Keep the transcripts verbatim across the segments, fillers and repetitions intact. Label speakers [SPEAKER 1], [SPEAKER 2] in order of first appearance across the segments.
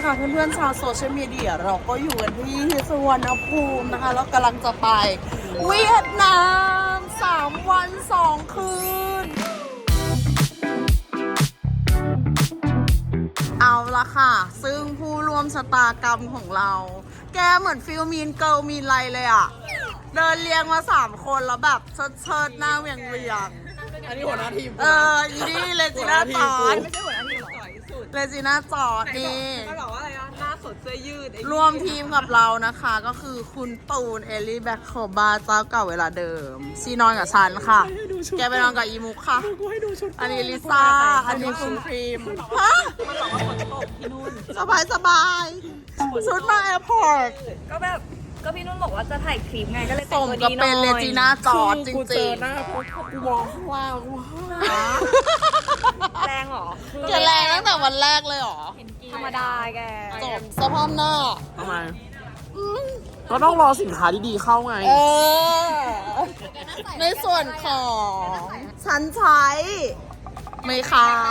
[SPEAKER 1] ค่ะเพื่อนๆชาวโซเชียลมีเดียเราก็อยู่กันที่สุวรรณภูมินะคะแล้วกำลังจะไปเวียดนามสามวันสองคืนเอาละค่ะซึ่งผู้ร่วมชะตากรรมของเราแกเหมือนฟิลมีนเกิลมีนไรเลยอ่ะเดินเรียงมาสามคนแล้วแบบเชิดเชิดหน้าเวียงเวียง
[SPEAKER 2] อันนี้หัวหน้าทีม
[SPEAKER 1] เอออีนี่เลจิน่าจอด
[SPEAKER 2] ไม่ใช่หัวหน้าทีมต่อยสุด
[SPEAKER 1] เลจิน่าจอดนี่
[SPEAKER 2] เขาบอกว่าอะไรนะหน้าสดเสื้อยืด
[SPEAKER 1] รวมทีมกับเรานะคะก็คือคุณตูนเอลลี่แบ็คโคบาเจ้าเก่าเวลาเดิมซีนอนกับฉันค่ะแกไปนอนกับอีมุกค่ะอันนี้ลิซ่าอันนี้คุณพรีมฮะ
[SPEAKER 2] มันบอกว่าฝนตกที่นู่น
[SPEAKER 1] สบายสบายชุดมาแอร์พอร์ต
[SPEAKER 3] ก็แบบก็พี่นุ่นบอกว่าจะถ่ายคลิปไงก็เลย
[SPEAKER 1] ส
[SPEAKER 3] แต่ง
[SPEAKER 1] ม
[SPEAKER 3] ตัว
[SPEAKER 1] กับ
[SPEAKER 3] ดีหน่
[SPEAKER 1] เป็น
[SPEAKER 3] อย
[SPEAKER 1] เลจิน่าจอดจ
[SPEAKER 2] กูเจ
[SPEAKER 1] ริ
[SPEAKER 2] อง หน้าพวกกูมองข้างล่างว้า
[SPEAKER 3] แรงเหรอ
[SPEAKER 1] ๆแกแรงตั้งแต่วันแรกเลยเหรอ
[SPEAKER 3] ธรรมดาแก
[SPEAKER 1] จบสภาพหน้า
[SPEAKER 2] ทำไมก็ต้องรอสินค้าดีๆเข้าไง
[SPEAKER 1] เออในส่วนของฉันใช้ไม่ข่าว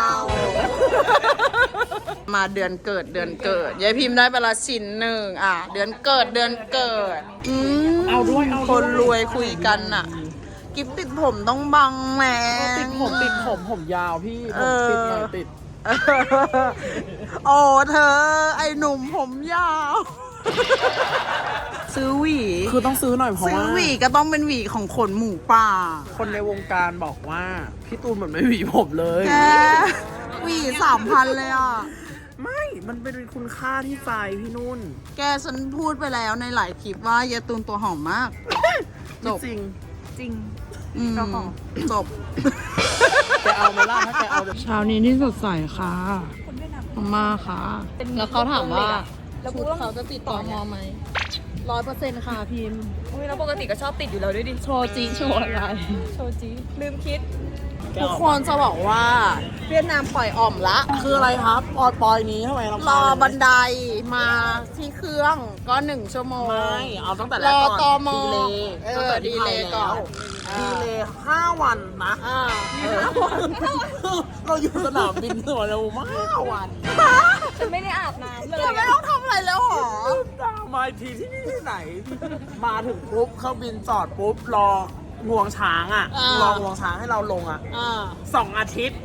[SPEAKER 1] มาเดือนเกิดเดือนเกิดยายพิมพ์ได้ไปละชิ้นหนึ่งอ่ะเดือนเกิดเดือนเกิดอืม
[SPEAKER 2] เอาด้วยเอาด้วย
[SPEAKER 1] คนรวยคุยกันน่ะ กิฟติดผมต้องบังแหม
[SPEAKER 2] ติดผมติดผมผมยาวพี่ผ
[SPEAKER 1] เอ
[SPEAKER 2] ม
[SPEAKER 1] อ
[SPEAKER 2] ติดหน่อยติด
[SPEAKER 1] โอ้เธอ ไอ้หนุ่มผมยาว ซื้อหวี
[SPEAKER 2] คือต้องซื้อหน่อยเพราะ
[SPEAKER 1] ซื้อ
[SPEAKER 2] ว่า
[SPEAKER 1] หวีก็ต้องเป็นหวีของขนหมูป่า
[SPEAKER 2] คนในวงการบอกว่าพี่ตูนเหมือนไม่หวีผมเลย
[SPEAKER 1] แกหวีสามพันเลยอ่ะ
[SPEAKER 2] ไม่ มันเป็นคุณค่าที่ใจพี่นุ่น
[SPEAKER 1] แกฉันพูดไปแล้วในหลายคลิปว่ายายตูนตัวหอมมาก จบ
[SPEAKER 2] จริง
[SPEAKER 3] จริง
[SPEAKER 1] อืม
[SPEAKER 3] ตัวหอม
[SPEAKER 1] จบ
[SPEAKER 2] แกเอาไหมล่ะถ้าแกเอา
[SPEAKER 1] เช้านี้ที่สดใสค่ะมาค่ะ แล้วเขาถามว่า
[SPEAKER 3] แล้วกู
[SPEAKER 1] ชุด
[SPEAKER 3] ต้อง
[SPEAKER 1] เขาจะติดต่อมอไหมร้อยเปอร์เซ็นต์ค่ะพิมพ์
[SPEAKER 3] อุ้ยแล้วปกติก็ชอบติดอยู่แล้วด้วยดิ
[SPEAKER 1] โชว์จีโชว์อะไร
[SPEAKER 3] โชว์จีลืมคิด
[SPEAKER 1] ทุกคนจะบอกว่า เวียดนามปล่อยอ่อมละ
[SPEAKER 2] คืออะไรครับปอยปอยนี้ทำไมเรา
[SPEAKER 1] รอบันไดมาที่เครื่องก็หนึ่งชั่วโมง
[SPEAKER 2] ไม่เอาตั้งแต่แร
[SPEAKER 1] ร
[SPEAKER 2] ก
[SPEAKER 1] อ
[SPEAKER 2] ก่อน
[SPEAKER 1] ตม
[SPEAKER 2] ดีเลย
[SPEAKER 1] เออดีเลยก่อน
[SPEAKER 2] ดีเลยห้าวันนะ
[SPEAKER 1] อ่า
[SPEAKER 2] เออเราอยู่สนามบินสวนภูมิมาห้าวัน
[SPEAKER 3] ฉันไม่ได้อาบน้ำเล
[SPEAKER 1] เธ
[SPEAKER 3] ย
[SPEAKER 1] อไม่ต้องทำอะไรแล้วเหรอ
[SPEAKER 2] มาอีกทีที่นี่ที่ไหน มาถึงปุ๊บเครื่องบินจอดปุ๊บรองวงช้างอ่ะ
[SPEAKER 1] อ่าร
[SPEAKER 2] องวงช้างให้เราลงอ่ะ
[SPEAKER 1] อ่า
[SPEAKER 2] สองอาทิตย์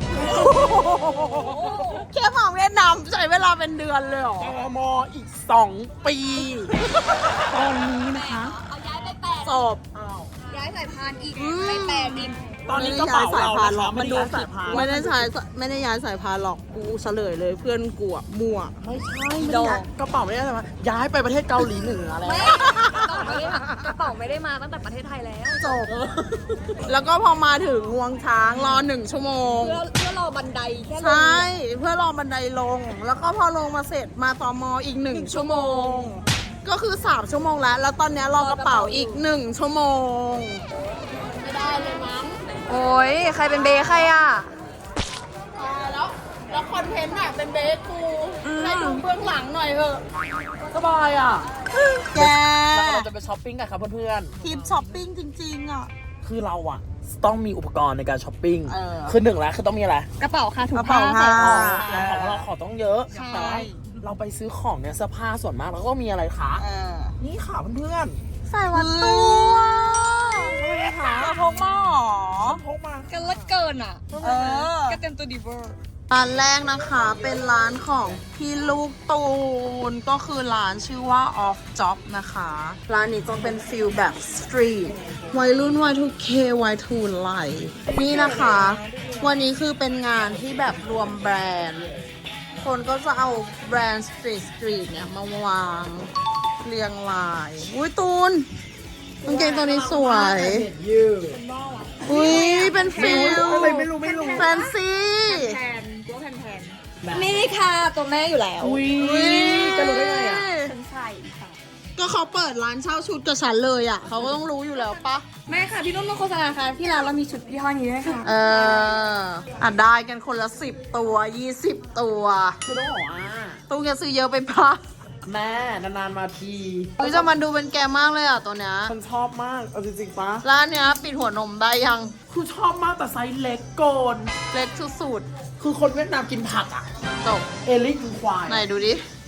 [SPEAKER 1] แค่มาเวียดนามใช้เวลาเป็นเดือนเลยเหรอ
[SPEAKER 2] ตมอีกสองปี ตอนนี้นะคะ
[SPEAKER 3] เอาย้ายไปแปด
[SPEAKER 1] จบ
[SPEAKER 3] ย้ายสายพานอีก
[SPEAKER 1] อืม
[SPEAKER 3] ไปแปดดิน
[SPEAKER 2] ตอนนี้ก็เป่าเรา
[SPEAKER 1] หร
[SPEAKER 2] นะ
[SPEAKER 1] อก
[SPEAKER 2] คะ
[SPEAKER 1] มันดู
[SPEAKER 2] ไได้ย้ายสายพาน
[SPEAKER 1] ไม่ได้ใช้ไม่ได้ย้ายสายพานหรอกกูเฉลยเลยเพื่อนกูอะมั่ว
[SPEAKER 2] ไม่ใช่ไม่ได้ย้ายกระเป๋าไม่ได้ใช่ไหมย้ายไปประเทศเกาหลีเหนือแล้ว
[SPEAKER 3] ไม่กระเป๋าไม่ได้มากระเป๋าไม่ได้มาตั้งแต่ประเทศไทยแล้ว
[SPEAKER 1] จบ แล้วก็พอมาถึงงวงช้างรอหนึ่งชั่วโมง
[SPEAKER 3] เพื่อเพื่อรอบันไดแค่ลง
[SPEAKER 1] ใช่ เพื่อรอบันไดลง แล้วก็พอลงมาเสร็จมาตมอีกหนึ่งชั่วโมง ก็คือสามชั่วโมงแล้ว แล้วตอนเนี้ยรอกระเป๋าอีกหนึ่งชั่วโมง ไม่ได้เลยมั้ง
[SPEAKER 3] โอ้ยใครเป็นเบย์ใครอ่ะ
[SPEAKER 1] ตายแล้ว แล้วคอนเทนต์อะเป็นเบสกูให้ดูเบื้องหลังหน่อยเถอะ
[SPEAKER 2] สบายอ่ะ
[SPEAKER 1] แก
[SPEAKER 2] แล้วเราจะไปช้อปปิ้งกันครับเพื่อน
[SPEAKER 1] ทริปช้อปปิ้งจริงๆอ่ะ
[SPEAKER 2] ๆ คือเราอ่ะต้องมีอุปกรณ์ในการช้อปปิ้ง
[SPEAKER 1] เออ
[SPEAKER 2] คือหนึ่งแล้วคือต้องมีอะไร
[SPEAKER 3] กระเป๋าค่ะถุง
[SPEAKER 1] กระเป๋าผ้า
[SPEAKER 2] ของเราของต้องเยอะ
[SPEAKER 1] ใช่
[SPEAKER 2] แต่ว่าเราไปซื้อของเนี่ยเสื้อผ้าส่วนมากเราก็มีอะไรคะ
[SPEAKER 1] เออ
[SPEAKER 2] นี่ค่ะเพื่อน
[SPEAKER 1] ใส่วัดตัวจะพกมาหรอ
[SPEAKER 2] ๆพกมา
[SPEAKER 3] กันละเกินอ่ะ
[SPEAKER 1] เออ
[SPEAKER 3] ก็เต็มตัวดีเวอร์
[SPEAKER 1] ร้านแรกนะคะเป็นร้านของพี่ลูกตูนก็คือร้านชื่อว่า Off Job นะคะ ร้านนี้จะเป็นฟิลแบบสตรีทวัยรุ่น วาย ทู เค วาย ทู ไลฟ์นี่นะคะ วันนี้คือเป็นงานที่แบบรวมแบรนด์ คนก็จะเอาแบรนด์สตรีทสตรีทเนี่ยมาวางเรียงราย อุ้ยตูนกางเกงตัวนี้สวย
[SPEAKER 2] ยืด
[SPEAKER 1] อุ้ยเป็นฟิล
[SPEAKER 2] อะไรไม่รู้ไม่รู้
[SPEAKER 1] แฟนซี
[SPEAKER 3] แทนตัวแทนแทนนี่ค่ะตัวแม่อยู่แล้ว
[SPEAKER 2] อุ้ยจะรู้ได้ไงอ่ะ
[SPEAKER 3] ฉันใส่ค่ะ
[SPEAKER 1] ก็เขาเปิดร้านเช่าชุดกับฉันเลยอ่ะ เขาก็ต้องรู้อยู่แล้วปะ
[SPEAKER 3] แม่ค่ะพี่นุ่นมาโฆษณาค่ะที่ร้านเรามีชุดยี่ห้อนี้ด้วยค่ะ
[SPEAKER 1] เอออ่ะได้กันคนละสิบตัวยี่สิบตัว
[SPEAKER 2] คือต้องบอกว่า
[SPEAKER 1] ตู้จะซื้อเยอะไปปะ
[SPEAKER 2] แม่นานๆมาที
[SPEAKER 1] เฮ้ยจะมันดูเป็นแกมากเลยอ่ะตัวเนี้ย
[SPEAKER 2] ฉันชอบมากเอาจริงๆปะ
[SPEAKER 1] ร้านเนี้ยปิดหัวนมได้ยัง
[SPEAKER 2] คือชอบมากแต่ไซส์เล็กโกน
[SPEAKER 1] เล็กสุด
[SPEAKER 2] คือคนเวียดนามกินผักอ่ะ
[SPEAKER 1] ๆจบ
[SPEAKER 2] เอลิกินควาย
[SPEAKER 1] ไหนดูดิ
[SPEAKER 2] เ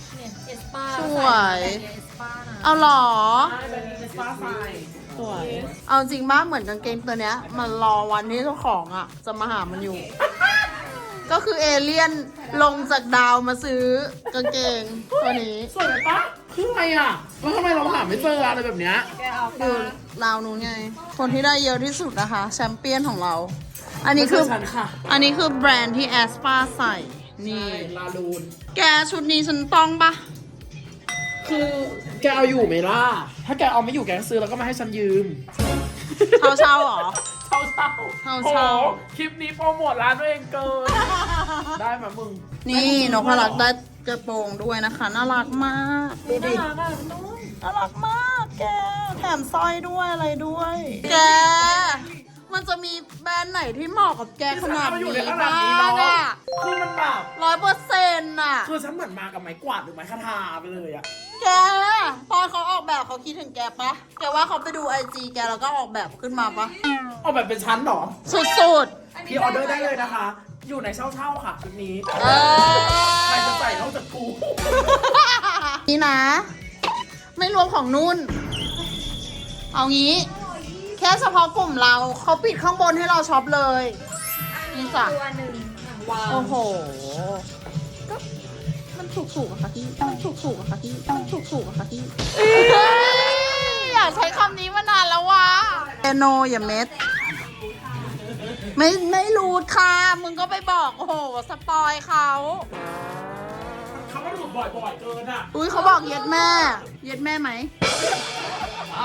[SPEAKER 3] สปา
[SPEAKER 1] สวย
[SPEAKER 3] เอสปานะ
[SPEAKER 1] เอาเหรอ
[SPEAKER 2] ใช่เป็นเอสปาไซ
[SPEAKER 1] สวย เอาจริงมากเหมือนกางเกงตัวเนี้ย มันรอวันที่เจ้าของอ่ะ จะมาหามันอยู่ ก็คือเอเลี่ยนลงจากดาวมาซื้อกางเกงตัวนี้
[SPEAKER 2] สวยปะคืออะไรอ่ะแล้วทำไมเราหาไม่เจออะไรแบบเนี้ย
[SPEAKER 3] แกเอา
[SPEAKER 1] ดู
[SPEAKER 3] ปะ
[SPEAKER 1] ราวนู้นไง คนที่ได้เยอะที่สุดนะคะ แชมเปี้ยนของเรา อันนี้คือ
[SPEAKER 2] ไม่ใช่ฉันค่ะ
[SPEAKER 1] อันนี้คือแบรนด์ที่แอสปาใส่ นี่
[SPEAKER 2] ใช่ลาลูน
[SPEAKER 1] แกชุดนี้ฉันต้องปะ
[SPEAKER 2] คือแกเอาอยู่ไหมล่ะ ถ้าแกเอาไม่อยู่แกก็ซื้อแล้วก็มาให้ฉันยืม
[SPEAKER 1] เช่าเช่าๆเหรอ
[SPEAKER 2] เช่าเช่า
[SPEAKER 1] เช่าเช่า
[SPEAKER 2] โอ้โหคลิปนี้โปรโมทร้านตัวเองเกิน ได้มามึง
[SPEAKER 1] นี่นกพลักได้กระโปรงด้วยนะคะ น่ารักมาก ดูดิ
[SPEAKER 3] น่ารักอ่ะพี่นุ่น
[SPEAKER 1] น่ารักมากแก แถมสร้อยด้วยอะไรด้วย แก มันจะมีแบรนด์ไหนที่เหมาะกับแกขนาด
[SPEAKER 2] เอามาอยู่
[SPEAKER 1] นี้
[SPEAKER 2] ในขนา
[SPEAKER 1] บ้า
[SPEAKER 2] ดนี้เนาะ
[SPEAKER 1] งอะ
[SPEAKER 2] คือมันแบบ
[SPEAKER 1] ร้อยเปอร์เซ็นต์อะ
[SPEAKER 2] คือฉันเหมือนมากับไม้กวาดหรือไม้คาทาไปเลยอะ
[SPEAKER 1] แก ตอนเขาออกแบบเขาคิดถึงแกปะแกว่าเขาไปดูไอจีแกแล้วก็ออกแบบขึ้นมาปะ
[SPEAKER 2] เอาแบบเป็นชั้นเหรอ
[SPEAKER 1] สุด
[SPEAKER 2] พี่ออเดอร์ได้เลยนะคะ อยู่ในเช่าเช่าๆค่ะชุดนี้
[SPEAKER 1] ๆ เอ
[SPEAKER 2] ใคร
[SPEAKER 1] อ
[SPEAKER 2] จะใส่นอกจากกู
[SPEAKER 1] นี่นะ ไม่รวมของนุ่น เอางี้ แค่เฉพาะกลุ่มเราเขาปิดข้างบนให้เราช็อปเลย นี่จ้ะ
[SPEAKER 3] ตัวหนึ่งวาง
[SPEAKER 1] โอ้โห ก็มันถูกถูกๆอะค่ะพี่มันถูกถูกๆอะค่ะพี่มันถูกถูกๆอะค่ะพี่อยากใช้คำนี้มานานแล้ววะเอโนอย่าเม็ด ไม่ไม่รู้ค่ะ มึงก็ไปบอก โอ้โห สปอยเขา
[SPEAKER 2] คำว่าหลุดบ่อยๆเกินอะ
[SPEAKER 1] อุ้ยเขาบอกเย็ดแม่ เย็ดแม่ไหม
[SPEAKER 2] เอา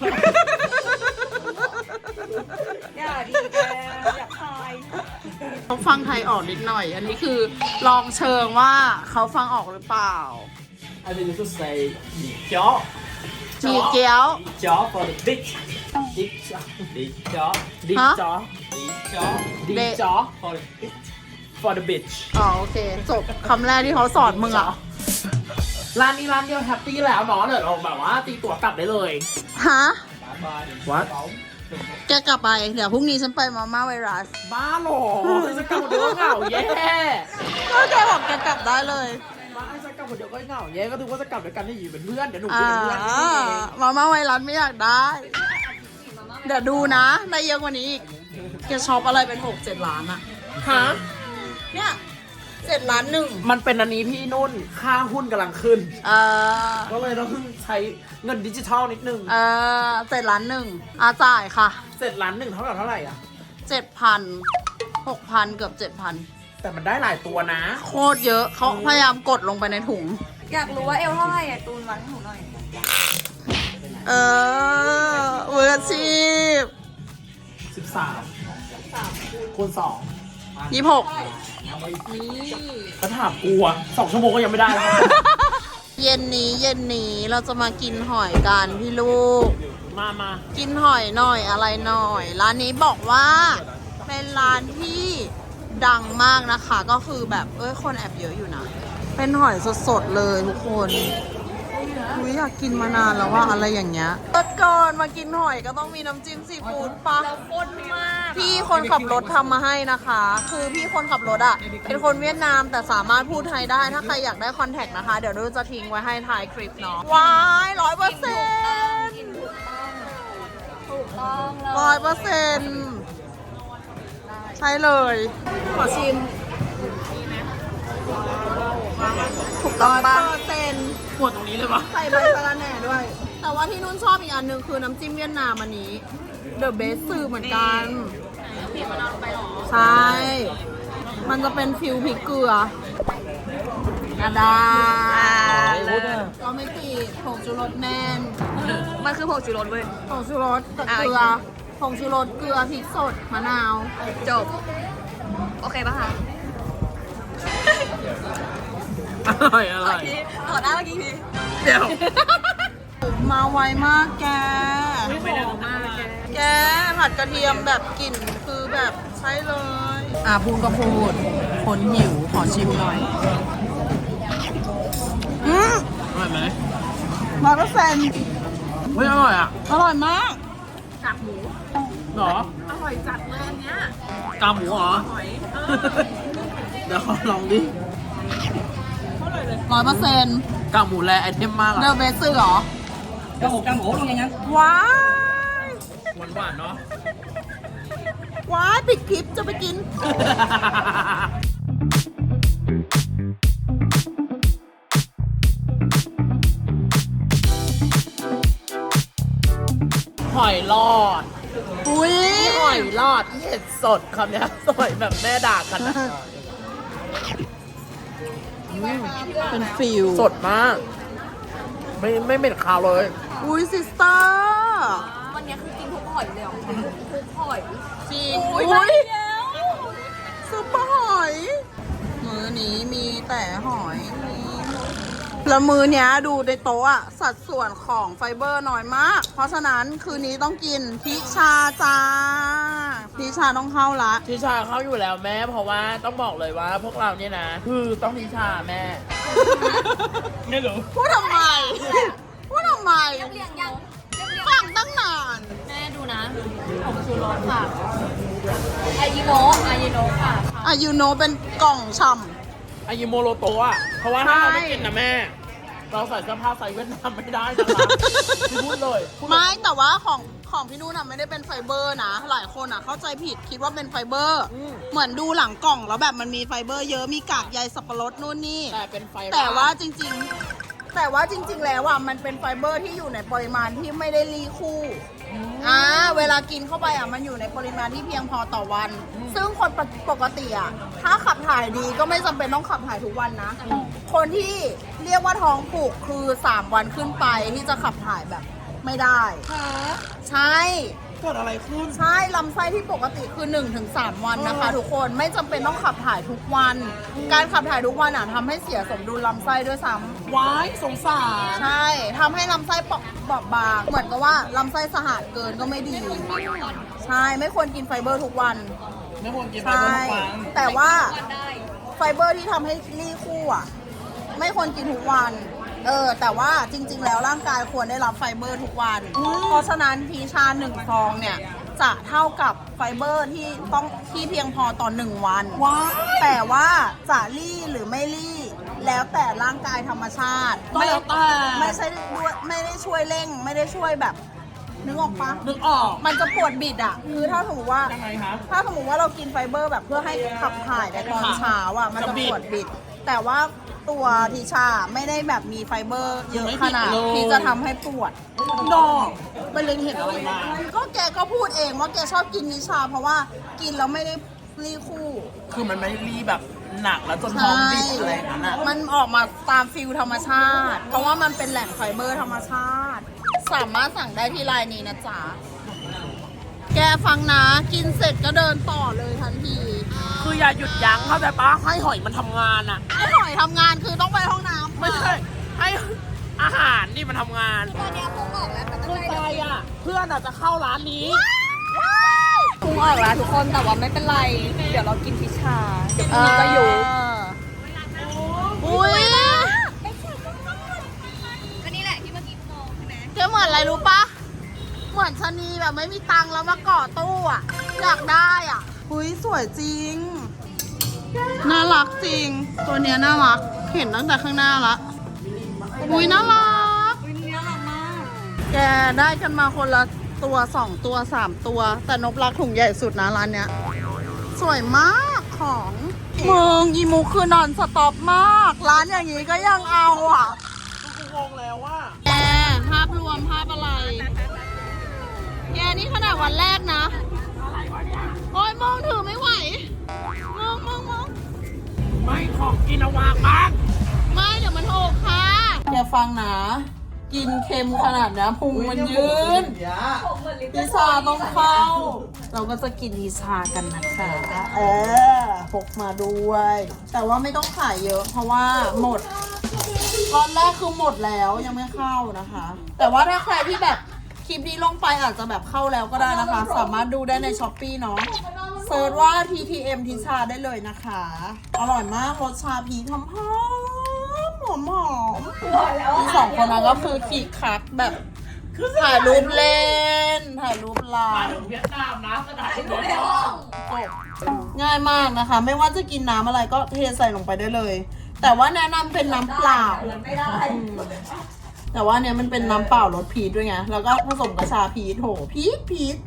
[SPEAKER 3] อย่าดีแกอยากทาย
[SPEAKER 1] เขาฟังไทยออกนิดหน่อย อันนี้คือลองเชิงว่าเขาฟังออกหรือเปล่า
[SPEAKER 4] I think you should say หมี่เจ๊อ
[SPEAKER 1] มีเกี๊ยว
[SPEAKER 4] หมี่เจ๊อ for the big big หมี่เจ๊อ
[SPEAKER 2] ดี
[SPEAKER 1] ฮะ
[SPEAKER 2] จ๊อ
[SPEAKER 4] หมี่เจ๊อ
[SPEAKER 2] ดี
[SPEAKER 1] เด
[SPEAKER 2] จ๊อ
[SPEAKER 4] for the big
[SPEAKER 2] for the bitch
[SPEAKER 1] อ๋อโอเค จบคำแรกที่เขาสอนมึงอ่ะ
[SPEAKER 2] ร้านนี้ร้านเดียวแฮปปี้แล้วเนาะเดี๋ยวเราแบบว่าตีตั๋วกลับได้เลย
[SPEAKER 1] ฮะ
[SPEAKER 2] What
[SPEAKER 1] แกกลับไป เดี๋ยวพรุ่งนี้ฉันไปมาม่าไวรัส
[SPEAKER 2] บ้าเหรอจะกลับคนเดียวก็เหงาแย่
[SPEAKER 1] ก็แกบอกแกกลับได้เลย
[SPEAKER 2] มาไอ้จะกลับคนเดียวก็เหงาแย่ก็ถือว่าจะกลับด้วยกันให้อยู่เป็นเพื่อนเดี๋ยวหนู
[SPEAKER 1] อ่า
[SPEAKER 2] เป็นเพื่อนที่นี่เอง
[SPEAKER 1] มาม่าไวรัสไม่อยากได้ เดี๋ยวดูนะ ได้เยอะกว่านี้อีก แกช็อปอะไรเป็นหกเจ็ดล้านอะ
[SPEAKER 2] ฮะ
[SPEAKER 1] เนี่ยเจ็ดล้านหนึ่ง
[SPEAKER 2] มันเป็นอันนี้พี่นุ่นค่าหุ้นกำลังขึ้น
[SPEAKER 1] เออ
[SPEAKER 2] ก็เลยต้องใช้เงินดิจิทัลนิดนึง
[SPEAKER 1] เออเจ็ดล้านหนึ่งอาจ่ายค่ะ
[SPEAKER 2] เสร็จล้านหนึ่งเท่ากับเท่าไหร่อ่ะ
[SPEAKER 1] เจ็ดพันหกพันเกือบเจ็ดพัน
[SPEAKER 2] แต่มันได้หลายตัวนะ
[SPEAKER 1] โคตรเยอะเขาพยายามกดลงไปในถุง
[SPEAKER 3] อยากรู้ว่าเอลเท่าไหร่อ่ะตูนวัดให้หนูหน่อย
[SPEAKER 1] เออมืออาชีพ
[SPEAKER 2] สิบสามคูณสอง
[SPEAKER 1] ยี่สิบหก
[SPEAKER 2] ถ้าถามกูอะสองชั่วโมงก็ยังไม่ได้แล้ว
[SPEAKER 1] เย็นนี้เย็นนี้เราจะมากินหอยกันพี่ลูก
[SPEAKER 2] มามา
[SPEAKER 1] กินหอยหน่อยอะไรหน่อย ร้านนี้บอกว่าเป็นร้านที่ดังมากนะคะ ก็คือแบบเอ้ยคนแอบเยอะอยู่นะ เป็นหอยสดๆเลยทุกคนอุ๊ยอยากกินมานานแล้วว่าอะไรอย่างเงี้ยรถก่อนมากินหอยก็ต้องมีน้ำจิ้มซีฟู้ดปะ
[SPEAKER 3] เราข้นมาก
[SPEAKER 1] พี่คนขับรถทำมาให้นะคะ คือพี่คนขับรถอะเป็นคนเวียดนามแต่สามารถพูดไทยได้ ถ้าใครอยากได้คอนแทคนะคะ เดี๋ยวดูจะทิ้งไว้ให้ท้ายคลิปเนาะว้ายร้อยเปอร์เซ็นต์
[SPEAKER 3] กินถูกต้องถูกต้องเลย
[SPEAKER 1] ร้อยเปอร์เซ็นต์ใช่เลย ขอชิม ถูกต้องปะเปอร์เซ็นต์
[SPEAKER 2] ปวดตรงนี้เลยปะ
[SPEAKER 1] ใส่ใบสะระแหน่ด้วย แต่ว่าที่นุ่นชอบอีกอันหนึ่งคือน้ำจิ้มเวียดนามอันนี้ The Best สื่อเหมือนกันใช่ มันจะเป็นฟิวพริกเกลืออาดาก็ไม่ติดผงชูรสแน่น
[SPEAKER 3] มันคือผงชูรสเว้ย
[SPEAKER 1] ผงชูรสกับเกลือ ผงชูรสเกลือพริกสดมะนาว
[SPEAKER 3] จบ โอเคป่ะคะ
[SPEAKER 2] อร่อยอร่อย
[SPEAKER 3] พี่ขอได้เมื่อกี้พี่
[SPEAKER 2] เดี๋ยว
[SPEAKER 1] มาไวมากแก
[SPEAKER 3] ไม่ดังมากแก
[SPEAKER 1] แกผัดกระเทียมแบบกลิ่นคือแบบใช่เลย อ่ะพูดก็พูด คนหิวขอชิมหน่อย อืม
[SPEAKER 2] อร่อยไหม
[SPEAKER 1] ร้อยเปอร์เซ็นต์
[SPEAKER 2] เฮ้ยอร่อยอ่ะ
[SPEAKER 1] อร่อยมาก
[SPEAKER 3] กากหมู
[SPEAKER 2] เหรอ
[SPEAKER 3] อร่อยจัดเลยอันเนี้ย
[SPEAKER 2] กาหมูเหรอ
[SPEAKER 3] หอย
[SPEAKER 2] เดี๋ยวขอลองดิ
[SPEAKER 1] ร้อยเปอร์เซ็นต์
[SPEAKER 2] กากหมูแลไอเทมมาก
[SPEAKER 1] เด
[SPEAKER 2] อะ
[SPEAKER 1] อะเบสซื้อเหรอ
[SPEAKER 3] กระหกกระหมูลงอย่างนั้น
[SPEAKER 1] ว้าย
[SPEAKER 2] หวานหวานๆเนาะ
[SPEAKER 1] ว้ายปิดคลิปจะไปกิน
[SPEAKER 2] หอยลอด
[SPEAKER 1] อุ้ย
[SPEAKER 2] หอยลอดที่เห็ดสดคำเนี้ยสวยแบบแม่ด่ากันนะ
[SPEAKER 1] เป็นฟิล
[SPEAKER 2] สดมาก ไม่ไม่เหม็นคาวเลย
[SPEAKER 1] อุ้ยซิสเตอร์
[SPEAKER 3] วันนี้คือกินทุกหอยเลยเหรอทุกหอย
[SPEAKER 1] จริง
[SPEAKER 3] อุ้ย
[SPEAKER 1] อุ้ย
[SPEAKER 3] แล้ว
[SPEAKER 1] ซุปเปอร์หอย มือนี้มีแต่หอยแล้วมือเนี้ยดูในโต๊ะอะสัดส่วนของไฟเบอร์น้อยมาก เพราะฉะนั้นคืนนี้ต้องกินพิชาจ้าพิชาต้องเข้าละ
[SPEAKER 2] ทิชาเข้าอยู่แล้วแม่ เพราะว่าต้องบอกเลยว่าพวกเราเนี่ยนะ คือต้องทิชาแม่ ไม่รู้
[SPEAKER 1] พูดทำไม พูดทำไม
[SPEAKER 3] เรียงยังเรียง
[SPEAKER 1] ฟังตั้งนาน
[SPEAKER 3] แม่ดูนะผมชูรสค่ะอายิโนอายิโนค่ะ
[SPEAKER 1] อ่ะยูโนเป็นกล่องช่
[SPEAKER 2] อายิโมโรโตะอะเพราะว่าถ้าเราไม่กินนะแม่ เราใส่เสื้อผ้าใส่เวียดนามไม่ได้นะคะพี่พูดเลยพูด
[SPEAKER 1] ำ
[SPEAKER 2] เลย
[SPEAKER 1] ไม่แต่ว่าของของพี่นุ่นอะไม่ได้เป็นไฟเบอร์นะ หลายคนอะเข้าใจผิดคิดว่าเป็นไฟเบอร์
[SPEAKER 2] อืม
[SPEAKER 1] เหมือนดูหลังกล่องแล้วแบบมันมีไฟเบอร์เยอะมีกากใยสับปะรดนู่นนี่
[SPEAKER 2] แต่เป็นไฟ
[SPEAKER 1] แต่ว่าจริงๆ แต่ว่าจริง ๆ แล้วอ่ะมันเป็นไฟเบอร์ที่อยู่ในปริมาณที่ไม่ได้รีคู่อ่าเวลากินเข้าไปอ่ะมันอยู่ในปริมาณที่เพียงพอต่อวัน ซึ่งคนปกติอ่ะถ้าขับถ่ายดีก็ไม่จำเป็นต้องขับถ่ายทุกวันนะ คนที่เรียกว่าท้องผูกคือสามวันขึ้นไปที่จะขับถ่ายแบบไม่ได้ใช่
[SPEAKER 2] เกิดอะไรขึ้น
[SPEAKER 1] ใช่ลำไส้ที่ปกติคือ หนึ่งถึงสาม วันนะคะทุกคนไม่จำเป็นต้องขับถ่ายทุกวัน การขับถ่ายทุกวันอ่ะทำให้เสียสมดุลลำไส้ด้วยซ้ำ
[SPEAKER 2] ว้ายสงสาร
[SPEAKER 1] ใช่ทำให้ลำไส้เปราะบอบบาง เหมือนกับว่าลำไส้สะอาดเกินก็ไม่ดี ใช่ไม่ควรกินไฟเบอร์ทุกวัน
[SPEAKER 2] ไม่ควรกินไป
[SPEAKER 1] ใช่
[SPEAKER 2] ทุกวัน
[SPEAKER 1] แต่ว่า
[SPEAKER 3] วันได้
[SPEAKER 1] ไฟเบอร์ที่ทำให้รีคู่อ่ะไม่ควรกินทุกวัน เออแต่ว่าจริง ๆ แล้วร่างกายควรได้รับไฟเบอร์ทุกวัน เพราะฉะนั้นพีชาหนึ่งซองเนี่ยจะเท่ากับไฟเบอร์ที่ต้องที่เพียงพอต่อหนึ่งวัน
[SPEAKER 2] ว้าย
[SPEAKER 1] แต่ว่าจะรี่หรือไม่รี่แล้วแต่ร่างกายธรรมชาติ
[SPEAKER 2] ก็แล้วแต่
[SPEAKER 1] ไม่ใช่ด้วยไม่ได้ช่วยเร่ง ไม่ได้ช่วยแบบนึกออกปะ
[SPEAKER 2] นึกออก
[SPEAKER 1] มันจะปวดบิดอ่ะคือถ้าสมมติว่า
[SPEAKER 2] ยังไงคะ
[SPEAKER 1] ถ้าสมมติว่าเรากินไฟเบอร์แบบเพื่อให้ขับถ่ายในตอนเช้าอ่ะมันจะปวดบิด แต่ว่าตัวทิชาไม่ได้แบบมีไฟเบอร์เยอะขนาดที่จะทำให้ปวด
[SPEAKER 2] ดอกไปเล็งเห็นอะไรมา
[SPEAKER 1] ก็แกก็พูดเองว่าแกชอบกินนิชา เพราะว่ากินแล้วไม่ได้รีคู่
[SPEAKER 2] คือมันไม่ได้รีแบบหนักแล้วจนท้องบิดอะไรอย่างนั้นอะ
[SPEAKER 1] มันออกมาตามฟิลธรรมชาติ เพราะว่ามันเป็นแหล่งไฟเบอร์ธรรมชาติ สามารถสั่งได้ที่ไลน์นี้นะจ๊ะ แกฟังนะ กินเสร็จก็เดินต่อเลยทันที
[SPEAKER 2] คืออย่าหยุดยั้งเข้าใจปะให้หอยมันทำงานอะ
[SPEAKER 1] ไอ้หอยทำงานคือต้องไปห้องน้ำ
[SPEAKER 2] ไม่ใช่ให้อาหารนี่มันทำงาน
[SPEAKER 3] ตอนนี้พุงออกแล้วแต่
[SPEAKER 2] คือใจอะเพื่อนอะจะเข้าร้านนี้
[SPEAKER 3] พุงออกแล้วทุกคนแต่ว่าไม่เป็นไร เดี๋ยวเรากินพิชา เดี๋ยวพรุ่งนี้ก็อยู่
[SPEAKER 1] อุ้ย
[SPEAKER 3] ก็นี่แหละที่เมื่อกี้มองใช่ไหม
[SPEAKER 1] แกเหมือนอะไรรู้ปะเหมือนชะนีแบบไม่มีตังค์แล้วมาก่อตู้อ่ะ อยากได้อ่ะอุ้ยสวยจริง น่ารักจริง ตัวเนี้ยน่ารัก เห็นตั้งแต่ข้างหน้าละ อุ้ยน่ารัก
[SPEAKER 3] อุ้ยนี่น่ารักมาก
[SPEAKER 1] แกได้กันมาคนละตัวสองตัวสามตัว แต่นบรักถุงใหญ่สุดนะร้านเนี้ย สวยมากของมึงอีมูคือนอนสต็อปมาก ร้านอย่างนี้ก็ยังเอาอ่ะ
[SPEAKER 2] กูงงแล้วว่า
[SPEAKER 1] แกภาพรวมภาพอะไร แกนี่ขนาดวันแรกนะ โอ้ยมองถือไม่ไหวมองมองมอง
[SPEAKER 2] ไม่ของกินเอาวางบ้าง
[SPEAKER 1] ไม่เดี๋ยวมันหกค่ะแกฟังนะ กินเค็มขนาดนี้พุงมันยืนนิชาต้องเข้า เราก็จะกินนิชากันนะคะเออพกมาด้วย แต่ว่าไม่ต้องขายเยอะ เพราะว่าหมดตอนแรกคือหมดแล้วยังไม่เข้านะคะ แต่ว่าถ้าใครที่แบบคลิปนี้ลงไปอาจจะแบบเข้าแล้วก็ได้นะคะ สามารถดูได้ในช้อปปี้เนาะเซิร์ชว่า ที ที เอ็ม ทิชาได้เลยนะคะ อร่อยมากรสชาพีทำหอมหอมหอมมีสองคนนั้นก็คือคีคักแบบถ่ายรูปเล่น ถ่ายรูปไล
[SPEAKER 2] มา
[SPEAKER 1] น์
[SPEAKER 2] ถึงเวียดนามนะกระดาษที่
[SPEAKER 3] ดูในห้อง
[SPEAKER 1] ง่ายมากนะคะ ไม่ว่าจะกินน้ำอะไรก็เทใส่ลงไปได้เลยแต่ว่าแนะนำเป็นน้ำเปล่า
[SPEAKER 3] ไม่ได้
[SPEAKER 1] แต่ว่าเนี้ยมันเป็นน้ำเปล่ารสพีชด้วยไง แล้วก็ผสมกับชาพีชโหพีชพีช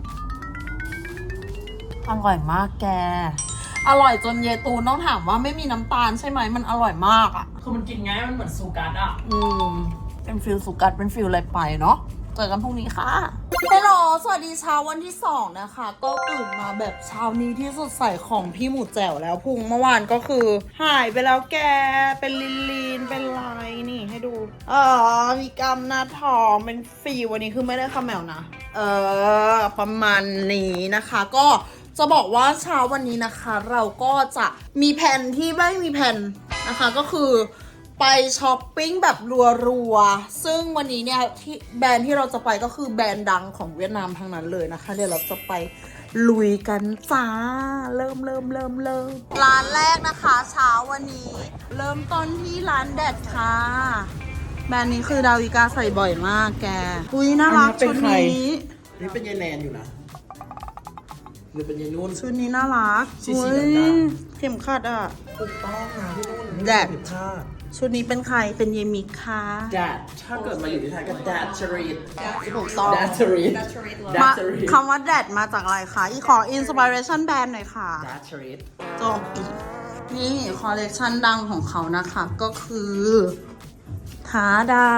[SPEAKER 1] อร่อยมากแก อร่อยจนเยตูนต้องถามว่าไม่มีน้ำตาลใช่ไหมมันอร่อยมากอ่ะ
[SPEAKER 2] คือมันกินง่ายมันเหมือนซูการ์ดอ่ะ
[SPEAKER 1] อืม เป็นฟิลสุกัดเป็นฟิลอะไรไปเนาะ เจอกันพรุ่งนี้ค่ะฮัลโหลสวัสดีเช้าวันที่สองนะคะ ก็ตื่นมาแบบเช้านี้ที่สดใสของพี่หมูแจ๋วแล้วพุงเมื่อวานก็คือ หายไปแล้วแก เป็นลีนลีนเป็นลายนี่ให้ดูอ๋อมีกล้ามหน้าท้องเป็นฟีลวันนี้คือไม่ได้คาแมวนะ เออ ประมาณนี้นะคะ ก็จะบอกว่าเช้าวันนี้นะคะ เราก็จะมีแผนที่ไม่มีแผนนะคะก็คือไปช้อปปิ้งแบบรัวๆ ซึ่งวันนี้เนี่ยที่แบรนด์ที่เราจะไปก็คือแบรนด์ดังของเวียดนามทั้งนั้นเลยนะคะ เดี๋ยวเราจะไปลุยกันจ้า เริ่มเริ่มเริ่มเริ่มร้านแรกนะคะเช้าวันนี้ เริ่มต้นที่ร้านแดดค่ะ แบรนด์นี้คือดาวิกาใส่บ่อยมากแกอุ้ยน่ารัก
[SPEAKER 2] อันนี้เป็น
[SPEAKER 1] ชุด
[SPEAKER 2] ใคร
[SPEAKER 1] นี้
[SPEAKER 2] นี่เป็นยายแนนอยู่นะหรือเป็นยายนุ่น
[SPEAKER 1] ชุดนี้น่ารัก
[SPEAKER 2] สีสี
[SPEAKER 1] อุ๊ย
[SPEAKER 2] ด
[SPEAKER 1] เข็มขัดอ่ะ
[SPEAKER 2] ถูกต้องนะพี่นุ่น
[SPEAKER 1] แดด
[SPEAKER 2] ผิดพลาด
[SPEAKER 1] ชุดนี้เป็นใครเป็นเยมิกค่ะ
[SPEAKER 2] แดดถ้าเกิดมาอยู่ที่ไทยก็แดดชรีด
[SPEAKER 1] ถูกต้อง
[SPEAKER 2] แดดชรีดแดด
[SPEAKER 1] มา
[SPEAKER 2] ชรีด
[SPEAKER 1] คำว่าแดดมาจากอะไรคะอีขออินสปิเรชันแบรนด์หน่อยค่ะ
[SPEAKER 2] แดดชรีด
[SPEAKER 1] จบนี่คอลเลกชันดังของเขานะคะ ก็คือทาดา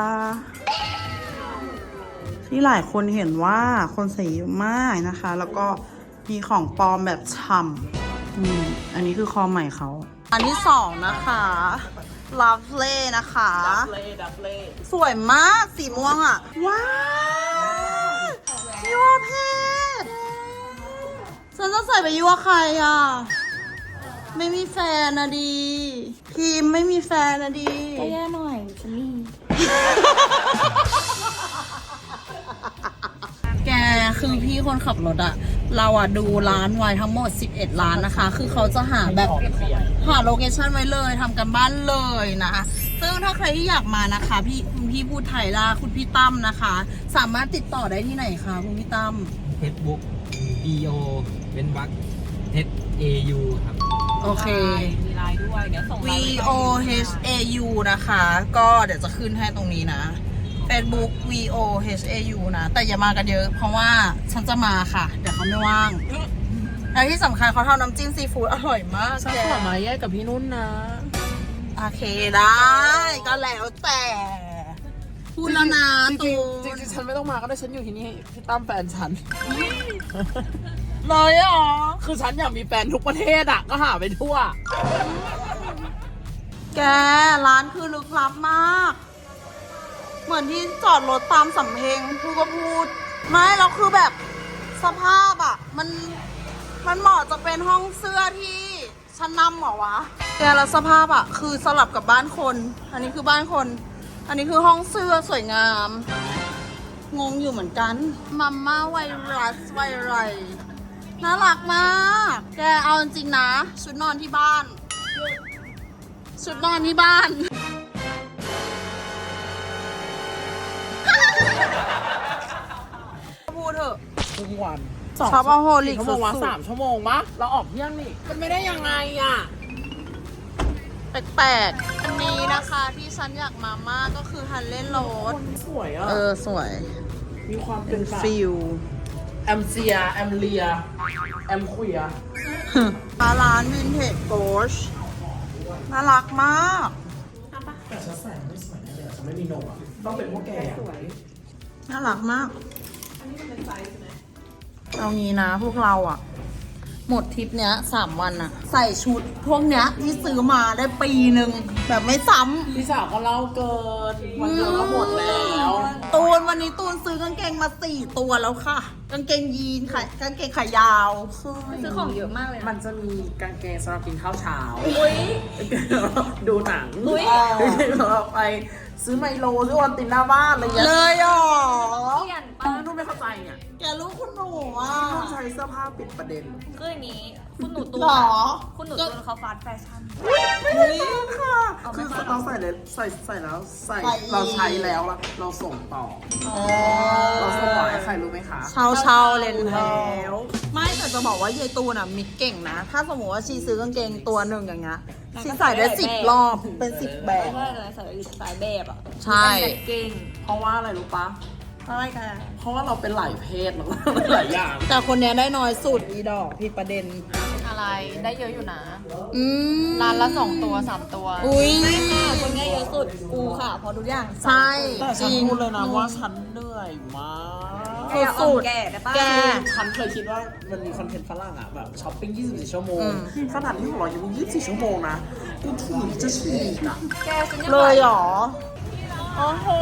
[SPEAKER 1] ที่หลายคนเห็นว่าคนใส่เยอะมากนะคะ แล้วก็มีของปลอมแบบฉ่ำอืมอันนี้คือคอใหม่เขา อันที่สองนะคะ Lovely นะคะ
[SPEAKER 2] ดับเล่ดับเล่
[SPEAKER 1] สวยมากสีม่วงอ่ะ ว้าวยั่วเพศฉันจะใส่ไปยั่วใครอ่ะ ไม่มีแฟนนะดี พิมพ์ไม่มีแฟนนะดี
[SPEAKER 3] ก็แย่หน่อยฉันมี
[SPEAKER 1] แกคือพี่คนขับรถอะเราอะดูร้านไว้ทั้งหมดสิบเอ็ดร้านนะคะ คือเขาจะหาแบบหาโลเคชั่นไว้เลยทำกันบ้านเลยนะ ซึ่งถ้าใครที่อยากมานะคะ พี่คุณพี่พูดไทยล่าคุณพี่ตั้มนะคะ สามารถติดต่อได้ที่ไหนคะคุณพี่ตั้ม
[SPEAKER 4] Facebook B O เป็นวัก H A U ครับ
[SPEAKER 1] โอเค
[SPEAKER 3] มีไลน์ด้วย เดี๋ยวส่ง
[SPEAKER 1] V O H A U นะคะ ก็เดี๋ยวจะขึ้นให้ตรงนี้นะ Facebook V O H A U นะ แต่อย่ามากันเยอะ เพราะว่าฉันจะมาค่ะ เดี๋ยวเขาไม่ว่าง และที่สำคัญเขาทำน้ำจิ้มซีฟู้ดอร่อยมาก
[SPEAKER 2] ฉัน
[SPEAKER 1] แก
[SPEAKER 2] ขอมาแยกกับพี่นุ่นนะ
[SPEAKER 1] โอเคได้ ก็แล้วแต่ พูดแล้วนะ
[SPEAKER 2] จ
[SPEAKER 1] ตู
[SPEAKER 2] ริงๆจริงๆฉันไม่ต้องมาก็ได้ฉันอยู่ที่นี่พี่ตั้มแฟนฉัน
[SPEAKER 1] เลยเหรอ
[SPEAKER 2] คือฉันอยากมีแฟนทุกประเทศอ่ะ ก็หาไปทั่ว
[SPEAKER 1] แกร้านคือลึกลับมาก เหมือนที่จอดรถตามสำเพ็งพูดก็พูด ไม่แล้วคือแบบสภาพอ่ะ มันมันเหมาะจะเป็นห้องเสื้อที่ชั้นนำเหรอวะ แกแล้วสภาพอ่ะ คือสลับกับบ้านคน อันนี้คือบ้านคน อันนี้คือห้องเสื้อสวยงาม งงอยู่เหมือนกันมัมม่าไวรัสไวไรน่ารักมาก แกเอาจริงๆนะ ชุดนอนที่บ้าน ชุดนอนที่บ้าน พูดเถอะ
[SPEAKER 2] ทุกวัน
[SPEAKER 1] ช็อปเอาโฮลิก
[SPEAKER 2] ชั่วโมงวะ
[SPEAKER 1] สุด
[SPEAKER 2] สามชั่วโมงมะเราออกเที่ยงนี่ มันไม่ได้ยังไงอ่ะ
[SPEAKER 1] ๆแปลกๆอันนี้นะคะที่ฉันอยากมามากก็คือฮันเล่นโรด
[SPEAKER 2] สวยอ่ะ
[SPEAKER 1] เออ สวย
[SPEAKER 2] มีความเป็
[SPEAKER 1] เป็น น
[SPEAKER 2] แบบ
[SPEAKER 1] ฟิล
[SPEAKER 2] แอมเซีย แอมเลีย แอมคุยอะ
[SPEAKER 1] ร้านวินเทจโกชน่ารักมาก
[SPEAKER 2] แต่ฉันใส่ไม่สวยแน่เลยฉันไม่มีนมอ่ะ ต้องเป็นพวกแกอะ
[SPEAKER 1] น่ารักมาก เอางี้นะพวกเราอะหมดทริปเนี้ยสามวันอะใส่ชุดพวกเนี้ยที่ซื้อมาได้ปีหนึ่งแบบไม่ซ้ำ
[SPEAKER 2] พี่สาวก็เล่าเกิน วันเดียวก็หมดแล้ว
[SPEAKER 1] ตูนวันนี้ตูนซื้อกางเกงมาสี่ตัวแล้วค่ะ กางเกงยีนขายกางเกงขายาว
[SPEAKER 3] ซื้อของเยอะมากเลย
[SPEAKER 2] มันจะมีกางเกงสำหรับกินข้าวเช้า
[SPEAKER 3] อุ้ย
[SPEAKER 2] ดูหนัง
[SPEAKER 3] อุ๊ย
[SPEAKER 2] กางเกงสำหรับไปซื้อไมโลซื้อวันตินหน้าบ้านอะไรอย่างเงี้ย
[SPEAKER 1] เลยเหรอ
[SPEAKER 3] เปลี่ยน
[SPEAKER 2] ป้า
[SPEAKER 3] ปะ
[SPEAKER 2] นุ่นไม่เข้าใจเนี่ย
[SPEAKER 1] แกรู้คุณหนูอ่ะ
[SPEAKER 2] นุ่นใช้เสื้อผ้าปิดประเด็น
[SPEAKER 3] คืออย่างนี้ คุณหนูตูน
[SPEAKER 1] หรอ
[SPEAKER 3] คุณหนูตูนเขาฟาสต์แฟชั่น
[SPEAKER 1] ไม่ได้ค่ะ
[SPEAKER 2] คือเราใส่เลยใส่ใส่แล้วใส่
[SPEAKER 1] ใส่อีก
[SPEAKER 2] เราใช้แล้วอะเราส่งต่อ เราส่งต่อให้ใครรู้ไหมคะ
[SPEAKER 1] เช่าเช่าเลนแล้ว ไม่แต่ากจะบอกว่ายายตูนอ่ะมิกเก่งนะ ถ้าสมมติว่าชีซื้อกางเกงตัวหนึ่งอย่างเงี้ยชีใส่ได้สิบรอบเป็นสิบแบบ
[SPEAKER 3] ใช่เลยใส่สายแบบอ่ะ
[SPEAKER 1] ใช่
[SPEAKER 3] เก่ง
[SPEAKER 2] เพราะว่าอะไรรู้ปะ
[SPEAKER 1] อะไรกัน
[SPEAKER 2] เพราะว่าเราเป็นหลายเพศแล้วหลายอย่าง
[SPEAKER 1] แต่คนเนี้ยได้น้อยสุดอีดอกผิดประเด็น
[SPEAKER 5] อะไรได้เยอะอยู่นะ
[SPEAKER 1] อืม
[SPEAKER 5] ร้านละสองตัวสามตัว
[SPEAKER 1] อุ้ย
[SPEAKER 3] ไม่ค่ะคนเนี้ยเยอะสุดกูค่ะเพอทุกอย่าง
[SPEAKER 1] ใช่
[SPEAKER 2] แต่
[SPEAKER 1] จ
[SPEAKER 2] ฉัน
[SPEAKER 1] ริง
[SPEAKER 2] พูดเลยนะว่าฉันเหนื่อยมาก
[SPEAKER 3] แกเอาแก่ได้ปะ
[SPEAKER 1] แก
[SPEAKER 2] ฉันเคยคิดว่ามันมีคอนเทนต์ฝรั่งอะแบบช้อปปิ้ง ยี่สิบสี่ ชั่วโมง
[SPEAKER 1] อืม
[SPEAKER 2] ขนาดที่ของเรายังมี ยี่สิบสี่ ชั่วโมงนะ กูถีบจะฉีกอะ
[SPEAKER 3] แกฉันยัง
[SPEAKER 1] เลยเหรอ โอ้โห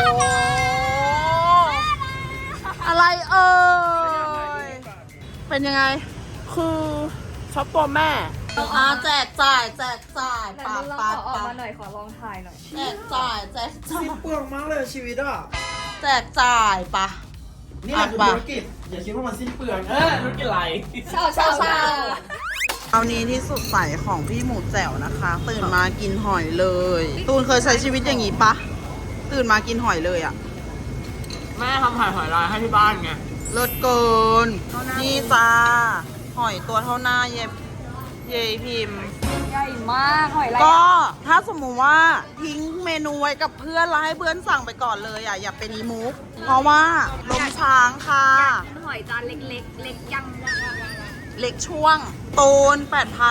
[SPEAKER 1] อะไรเอ่ย เป็นยังไง
[SPEAKER 2] คือช็อปตัวแม่
[SPEAKER 1] อ่าแจกจ่ายแจกจ่าย
[SPEAKER 3] ไหน
[SPEAKER 1] ปา
[SPEAKER 3] มึงลอง
[SPEAKER 1] ปา
[SPEAKER 3] ขอออก
[SPEAKER 1] ปา
[SPEAKER 3] มาหน่อยขอลองถ่ายหน่อย
[SPEAKER 1] แจกจ่ายแจกจ่าย
[SPEAKER 2] สิ้นเปลืองมากเลยชีวิตอ่ะ
[SPEAKER 1] แจกจ่ายปะ
[SPEAKER 2] นี่แหละคือธุรกิจ อย่าคิดว่ามันสิ้นเปลืองเออธุรกิจอะไร
[SPEAKER 3] เช่าเช่าเช่า
[SPEAKER 1] เอานี้ที่สุดใสของพี่หมูแจ๋วนะคะ ตื่นมากินหอยเลย ตูนเคยใช้ชีวิตอย่างนี้ปะ ตื่นมากินหอยเลยอะ
[SPEAKER 2] แม่ทำหอยหอยลายให้ที่บ้านไง
[SPEAKER 1] เลิศเกิน นี่จ้า หอยตัวเท่าหน้าเย็บเยยพิมพ์
[SPEAKER 3] ใหญ่มากหอยอะไร
[SPEAKER 1] ก็ถ้าสมมุติว่าทิ้งเมนูไว้กับเพื่อนแล้วให้เพื่อนสั่งไปก่อนเลยอ่ะอย่าเป็นอีมุก เพราะว่าลมช้างค่ะ
[SPEAKER 3] หอยจานเล็กๆ เล็กยัง
[SPEAKER 1] เล็กช่วงตูนแปดพัน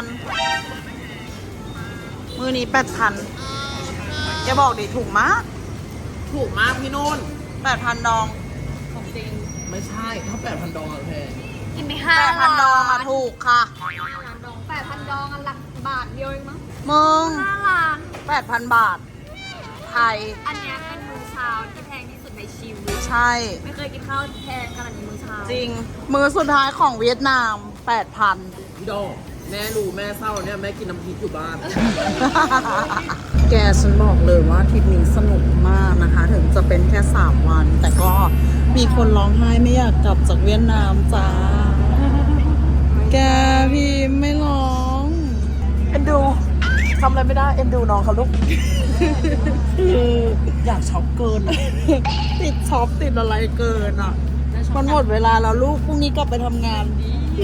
[SPEAKER 1] มือนี้แปดพันอย่าบอกดิถูกมาก
[SPEAKER 2] ถูกมากพี่นุ่น
[SPEAKER 1] แปดพันดอง
[SPEAKER 3] ของจริง
[SPEAKER 2] ไม่ใช่ ถ้าแปดพันดองอะแพง
[SPEAKER 3] กินไปห้า
[SPEAKER 1] แปดพันดองอะถูกค่ะ
[SPEAKER 3] ดองแปดพันดองอันหลักบาทเดียวเองมั้ง
[SPEAKER 1] มึง
[SPEAKER 3] ห้าล้าน
[SPEAKER 1] แปดพันบาท ไทย
[SPEAKER 3] อันเนี้ยเป็นมื้อเช้าที่แพงที่สุดในชีวิต
[SPEAKER 1] ใช่
[SPEAKER 3] ไม่เคยกินข้าวแพงขนาดนี้มื้อเช้า
[SPEAKER 1] จริง มือสุดท้ายของเวียดนามแปดพัน
[SPEAKER 2] พี่ดองแม่รู้แม่เศร้าเนี่ยแม่กินน้ำพริกอยู่บ้าน
[SPEAKER 1] แกฉันบอกเลยว่าทริปนี้สนุกมากนะคะ ถึงจะเป็นแค่สามวัน แต่ก็มีคนร้องไห้ไม่อยากกลับจากเวียดนามจ้า แกพี่ไม่ร้อง
[SPEAKER 2] เอ็นดูทำอะไรไม่ได้เอ็นดูน้องเขาลูก คืออยากช็อปเกินอะ
[SPEAKER 1] ติดช็อปติดอะไรเกินอ่ะ มันหมดเวลาแล้วลูกพรุ่งนี้กลับไปทำงานดี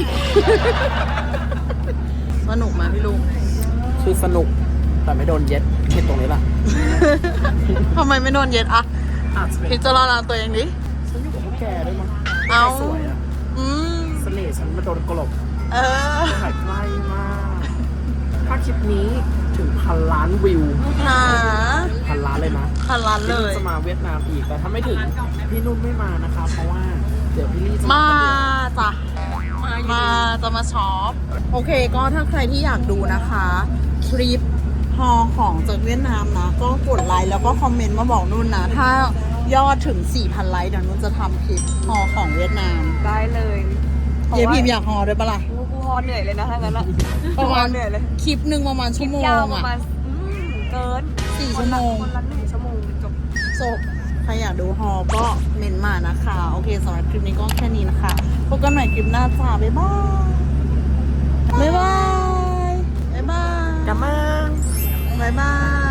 [SPEAKER 1] สนุกไหมพี่ลุง
[SPEAKER 2] คือสนุกแต่ไม่โดนเย็ดเย็ดตรงนี้ล่ะ
[SPEAKER 1] ทำไมไม่โดนเย็ดอะ
[SPEAKER 2] อาจจะเป็น
[SPEAKER 1] พิจารณาตัวเองดิ
[SPEAKER 2] ฉันอยู่กับพวกแกด้วยมั้ง
[SPEAKER 1] เอา
[SPEAKER 2] สวยอะ
[SPEAKER 1] อืม
[SPEAKER 2] เสน่ห์ฉันมาโดนกลบ
[SPEAKER 1] เออ
[SPEAKER 2] ถ่ายใกล้มาก ถ้าคลิปนี้ถึงพันล้านวิว
[SPEAKER 1] หา
[SPEAKER 2] พันล้านเลยนะ
[SPEAKER 1] พันล้านเล
[SPEAKER 2] พี่นุ่น
[SPEAKER 1] ย
[SPEAKER 2] จะมาเวียดนามอีก แต่ถ้าไม่ถึงพี่นุ่นไม่มานะคะ เพราะว่าเดี๋ยวพี่ลี่จะ
[SPEAKER 1] มา
[SPEAKER 2] คนเดียว
[SPEAKER 1] จ้ะ มาจะมาช็อป โอเคก็ถ้าใครที่อยากดูนะคะทริปฮอของจากเวียดนามนะ ก็กดไลค์แล้วก็คอมเมนต์มาบอกนุ่นนะ ถ้ายอดถึง สี่พัน ไลค์เดี๋ยวนุ่นจะทำคลิปฮอของเวียดนาม
[SPEAKER 3] ได้เลย
[SPEAKER 1] เยพิมพ์อยากฮอด้วยปะล่ะ
[SPEAKER 3] กูกูฮอเหนื่อยเลยนะถ้างั้นอะ
[SPEAKER 1] ประมาณ
[SPEAKER 3] เหนื่อยเลย
[SPEAKER 1] คลิปหนึ่งประมาณชั่วโมง
[SPEAKER 3] ยาวประ
[SPEAKER 1] อะ
[SPEAKER 3] มาณอืมเกิน
[SPEAKER 1] สี่ชั่วโมง
[SPEAKER 3] คนละหนึ่งชั่วโมงจบ
[SPEAKER 1] จบใครอยากดูฮอก็เมนมานะคะ โอเคสำหรับคลิปนี้ก็แค่นี้นะคะ พบกันใหม่คลิปหน้าจ้า บ๊ายบาย บ๊ายบาย บ๊ายบาย
[SPEAKER 2] กลับมา
[SPEAKER 1] บ๊ายบาย